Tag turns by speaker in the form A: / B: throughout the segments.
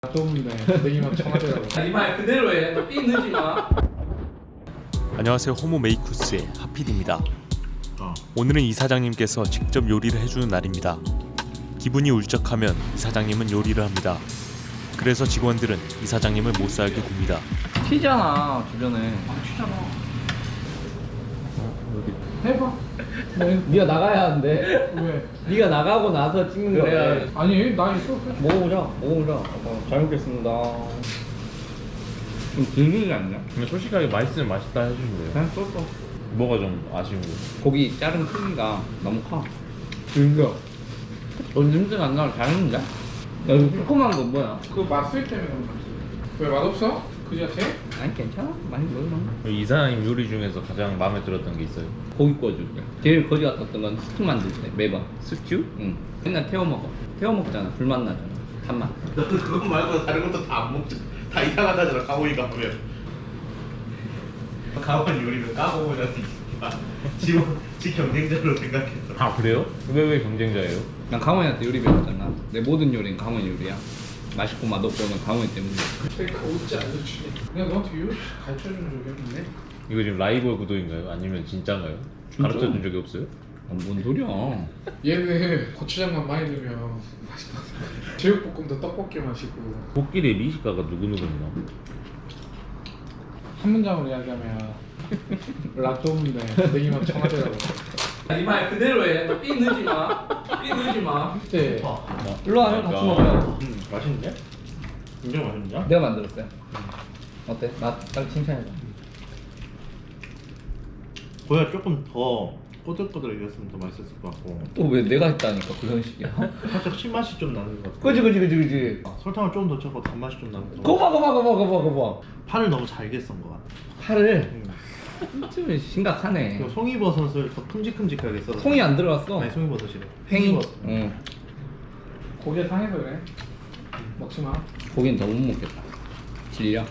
A: 좁은데 내기만 청하더라고.
B: 이 말 그대로 해. 너 삐 넣지 마.
C: 안녕하세요. 호모 메이쿠스의 하필입니다. 오늘은 이사장님께서 직접 요리를 해주는 날입니다. 기분이 울적하면 이사장님은 요리를 합니다. 그래서 직원들은 이사장님을 못 살게 굽니다.
B: 튀잖아 주변에.
A: 튀잖아. 해봐.
B: 네가 나가야 하는데.
A: 왜?
B: 네가 나가고 나서 찍는 거야.
A: 아니 나 있어.
B: 먹어보자. 잘 먹겠습니다. 좀 들리지 않냐?
D: 근데 솔직하게 맛있으면 맛있다 해주면 돼요.
B: 그냥 썼어.
D: 뭐가 좀 아쉬운 거?
B: 고기 자른 크기가 너무 커.
A: 들려.
B: 냄새가 안 나고 잘했는데? 야 이거 새콤한 건 뭐야?
A: 그 맛술 때문에 그런 거지. 왜 맛없어? 그 자체?
B: 아니 괜찮아. 많이 먹으면.
D: 이사장님 요리 중에서 가장 마음에 들었던 게 있어요?
B: 고기 구워줄게. 제일 거지 같았던 건 스튜 만들 때 매번.
D: 스튜?
B: 응. 맨날 태워 먹어. 태워 먹잖아. 불맛 나잖아. 단맛.
E: 너는 그것 말고 다른 것도 다 안 먹지. 다 이상하다잖아. 강호이 가면. 강호이 요리는 까먹으면 지 경쟁자로 생각했어.
D: 아 그래요? 왜 경쟁자예요?
B: 난 강원이한테 요리 배웠잖아. 내 모든 요리는 강원 요리야. 맛있고 맛없고는 강원 때문에.
A: 되게 어찌 알려주니? 내가 너한테 요리 가르쳐준 적이 없는데?
D: 이거 지금 라이벌 구도인가요? 아니면 진짜인가요? 가르쳐준 적이 없어요?
B: 아, 뭔 소리야?
A: 얘는 고추장만 많이 넣으면 맛있다 생각해. 제육볶음도 떡볶이 맛이고.
D: 코끼리 미식가가 누구누구나?
A: 한 문장으로 이야기하면 락 좁은데 내기만 청하더라고.
B: 이 말 그대로 해. 너 삐 넣지 마. 삐 넣지 마.
A: 그때
B: 일로 와면 같이 먹어요.
E: 맛있는데? 굉장히 맛있는데?
B: 내가 만들었어요. 어때? 나딱 칭찬해줘.
E: 고야 조금 더 꼬들꼬들해졌으면 더 맛있었을 것 같고
B: 또 왜 내가 했다니까 그 형식이야.
E: 살짝 신맛이 좀 나는 것 같아.
B: 그지.
E: 설탕을 조금 더 쳐서 단맛이 좀 나는 것 같아.
B: 거봐.
E: 파를 너무 잘게 썬 것 같아.
B: 팔을 좀 심각하네.
E: 그리고 송이버섯을 더 큼직큼직하게 썰어.
B: 송이 안 들어갔어.
E: 아니 송이버섯이래.
B: 팽이.
E: 팽이버섯.
B: 응.
A: 고기가 상해서 그래. 먹지 마.
B: 고기는 더 못 먹겠다. 질려.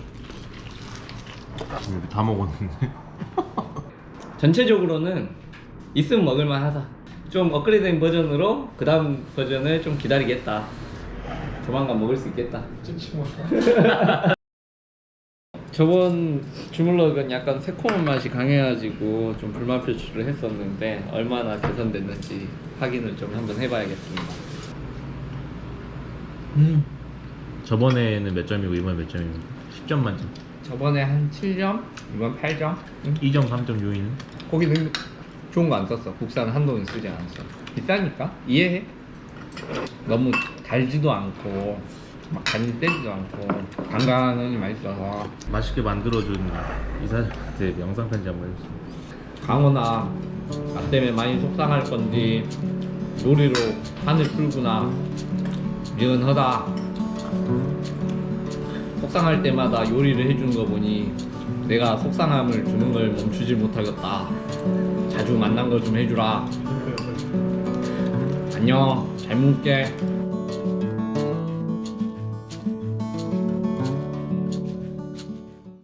D: 이렇게 다 먹었는데.
B: 전체적으로는 있으면 먹을만 하다. 좀 업그레이드된 버전으로 그 다음 버전을 좀 기다리겠다. 조만간 먹을 수 있겠다.
A: 찜치 먹어.
B: 저번 주물럭은 약간 새콤한 맛이 강해가지고 좀 불만 표출을 했었는데 얼마나 개선됐는지 확인을 좀 한번 해봐야겠습니다.
D: 저번에는 몇 점이고 이번에 몇 점입니까? 10점 만점.
B: 저번에 한 7점, 이번 8점.
D: 2점, 3점 요인은?
B: 고기는 좋은 거 안 썼어. 국산 한동은 쓰지 않았어. 비싸니까 이해해. 너무 달지도 않고 막 간이 떼지도 않고 간간하니 맛있어서.
D: 맛있게 만들어준 이사장한테 영상 편지 한번 해주세요.
B: 강원아, 나 때문에 많이 속상할 건지 요리로 판을 풀구나. 미안하다. 속상할 때마다 요리를 해주는 거 보니 내가 속상함을 주는 걸 멈추질 못하겠다. 자주 만난 거 좀 해주라. 안녕. 잘 먹을게.